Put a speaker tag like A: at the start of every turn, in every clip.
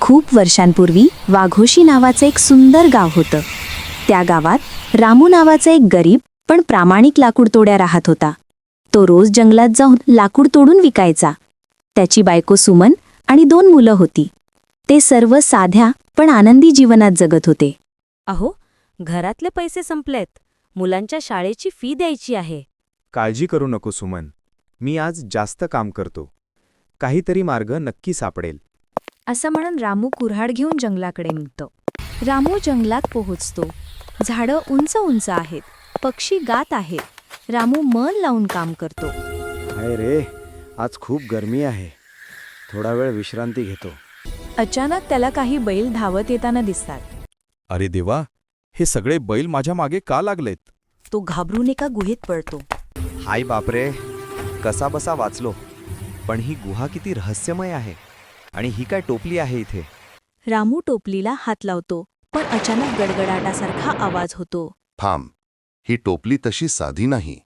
A: खूप वर्षांपूर्वी वाघोशी नावाचं एक सुंदर गाव होतं. त्या गावात रामू नावाचा एक गरीब पण प्रामाणिक लाकूडतोड्या राहत होता. तो रोज जंगलात जाऊन लाकूड तोडून विकायचा. त्याची बायको सुमन आणि 2 मुलं होती. ते सर्व साध्या पण आनंदी जीवनात जगत होते.
B: अहो, घरातले पैसे संपलेत. मुलांच्या शाळेची फी द्यायची आहे.
C: काळजी करू नको सुमन, मी आज जास्त काम करतो. काहीतरी मार्ग नक्की सापडेल.
A: असं म्हणून रामू कुऱ्हाड घेऊन जंगलाकडे निघतो. रामू जंगलात पोहोचतो. झाडं उंच उंच आहेत, पक्षी गात आहेत. रामू मन लावून काम करतो.
C: हाय रे, आज खूप गरमी आहे. थोडा वेळ विश्रांती घेतो.
A: अचानक त्याला काही बैल धावत येताना दिसतात.
D: अरे देवा, हे सगळे बैल माझ्या मागे का लागलेत?
A: तो घाबरून एका गुहेत पडतो.
E: हाय बापरे, कसा बसा वाचलो. पण ही गुहा किती रहस्यमय आहे. आणि ही काय टोपली आहे इथे?
A: रामू टोपलीला हात लावतो, पण अचानक गडगडाटासारखा आवाज होतो.
F: थांब, ही टोपली तशी साधी नाही.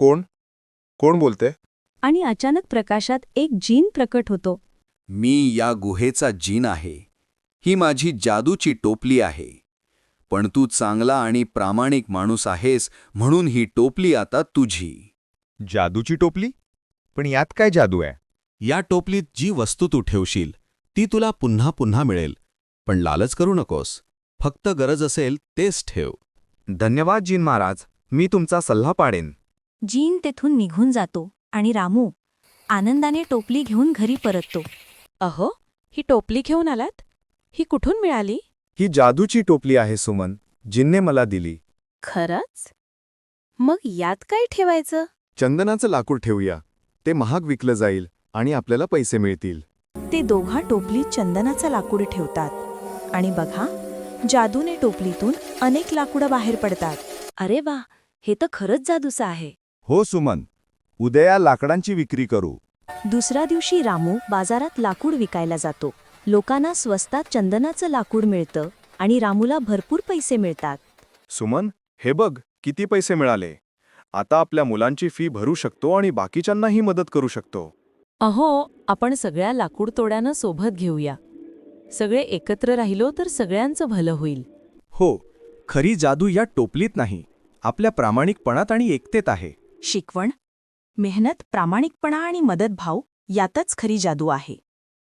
C: कोण बोलते?
A: आणि अचानक प्रकाशात एक जीन प्रकट होतो.
D: मी या गुहेचा जीन आहे. ही माझी जादूची टोपली आहे. पण तू चांगला आणि प्रामाणिक माणूस आहेस म्हणून ही टोपली आता तुझी.
C: जादूची टोपली? पण यात काय जादू आहे?
D: या टोपलीत जी वस्तू तू ठेवशील ती तुला पुन्हा पुन्हा मिळेल. पण लालच करू नकोस. फक्त गरज असेल तेच ठेव.
C: धन्यवाद जीन महाराज, मी तुमचा सल्ला पाडेन.
A: जीन तेथून निघून जातो आणि रामू आनंदाने टोपली घेऊन घरी परततो.
B: अहो, ही टोपली घेऊन आलात? ही कुठून मिळाली?
C: ही जादूची टोपली आहे सुमन, जिनने मला दिली.
B: खरंच? मग यात काय ठेवायचं?
C: चंदनाचं लाकूड ठेवूया. ते महाग विकलं जाईल आणि आपल्याला पैसे मिळतील.
A: ते दोघा टोपलीत चंदनाचं लाकूड ठेवतात आणि बघा, जादूने टोपलीतून अनेक लाकुडं बाहेर पडतात. अरे वा, हे तर खरंच जादूचं आहे.
C: हो सुमन, उद्या लाकडांची विक्री करू.
A: दुसऱ्या दिवशी रामू बाजारात लाकूड विकायला जातो. लोकांना स्वस्तात चंदनाचं लाकूड मिळतं आणि रामूला भरपूर पैसे मिळतात.
C: सुमन, हे बघ किती पैसे मिळाले. आता आपल्या मुलांची फी भरू शकतो आणि बाकीच्यांनाही मदत करू शकतो.
B: अहो, आपण सगळ्या लाकूड तोड्यांना सोबत घेऊया. सगळे एकत्र राहिलो तर सगळ्यांचं भलं होईल.
C: हो, खरी जादू या टोपलीत नाही, आपल्या प्रामाणिकपणात आणि एकतेत आहे.
A: शिकवण, मेहनत, प्रामाणिकपणा आणि मदतभाव यातच खरी जादू आहे.